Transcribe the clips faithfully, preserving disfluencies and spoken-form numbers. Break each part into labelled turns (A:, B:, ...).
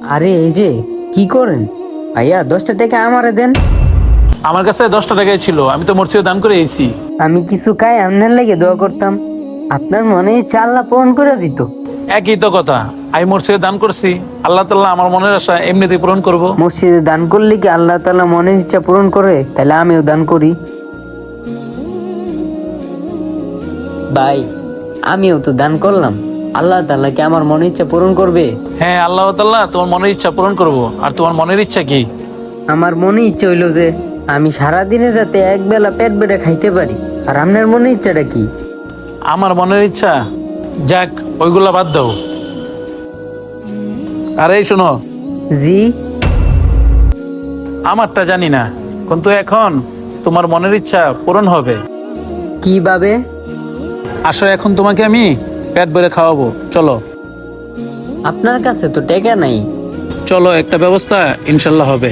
A: আরে এই যে কি করেন ভাইয়া, দশটা টাকা আমারে দেন।
B: আমার কাছে দশটা টাকাই ছিল, আমি তো মসজিদে দান করে এসেছি।
A: আমি কিছু খাই আপনার লাগে দোয়া করতাম, আপনার মনে ইচ্ছা আল্লাহ পূরণ করে দিত।
B: একই তো কথা, আমি মসজিদে দান করছি, আল্লাহ তাআলা আমার মনের আশা এমনিতেই পূরণ করব।
A: মসজিদে দান করলে কি আল্লাহ তাআলা মনের ইচ্ছা পূরণ করে? তাহলে আমিও দান করি। ভাই আমিও তো দান করলাম, আল্লাহ তাআলা কি আমার মনের ইচ্ছা পূরণ করবে?
B: হ্যাঁ, আল্লাহ তাআলা তোমার মনের ইচ্ছা পূরণ করব। আর তোমার মনের ইচ্ছা কি?
A: আমার মনে ইচ্ছা হইলো যে আমি সারাদিনে যাতে এক বেলা পেট বেড়ে খাইতে পারি। আর আপনার মনে ইচ্ছাটা কি?
B: আমার মনের ইচ্ছা, যাক ওইগুলা বাদ দাও। আর এই শোনো,
A: জি।
B: আমারটা জানি না, কিন্তু এখন তোমার মনের ইচ্ছা পূরণ হবে।
A: কিভাবে?
B: আসো, এখন তোমাকে আমি পেট ভরে খাওয়াবো, চলো।
A: আপনার কাছে তো টাকা নাই।
B: চলো, একটা ব্যবস্থা ইনশাল্লাহ হবে।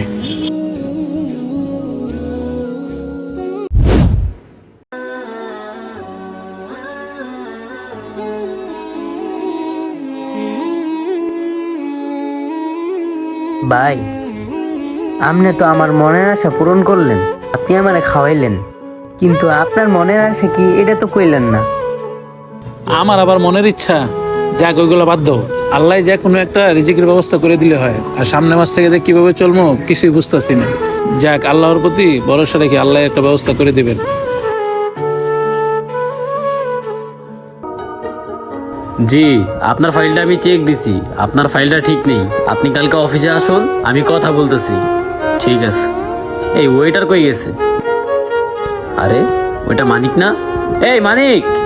A: ভাই আপনি তো আমার মনের আশা পূরণ করলেন, আপনি আমারে খাওয়াইলেন, কিন্তু আপনার মনের আশা কি এটা তো কইলেন না।
B: আমার আবার মনের ইচ্ছা, যাক ওইগুলো বাদ দাও। আল্লাহ যে কোনো একটা রিজিকের ব্যবস্থা করে দিলে হয়। আর সামনে মাস থেকে যে কিভাবে চলবো কিছুই বুঝতেছি না। যাক, আল্লাহর প্রতি ভরসা রেখে আল্লাহ একটা ব্যবস্থা করে দিবেন।
C: জি, আপনার ফাইলটা আমি চেক দিছি, আপনার ফাইলটা ঠিক নেই। আপনি কালকে অফিসে আসুন, আমি কথা বলতেছি। ঠিক আছে। এই ওয়েটার কই গেছে? আরে ওইটা মানিক না? এই মানিক!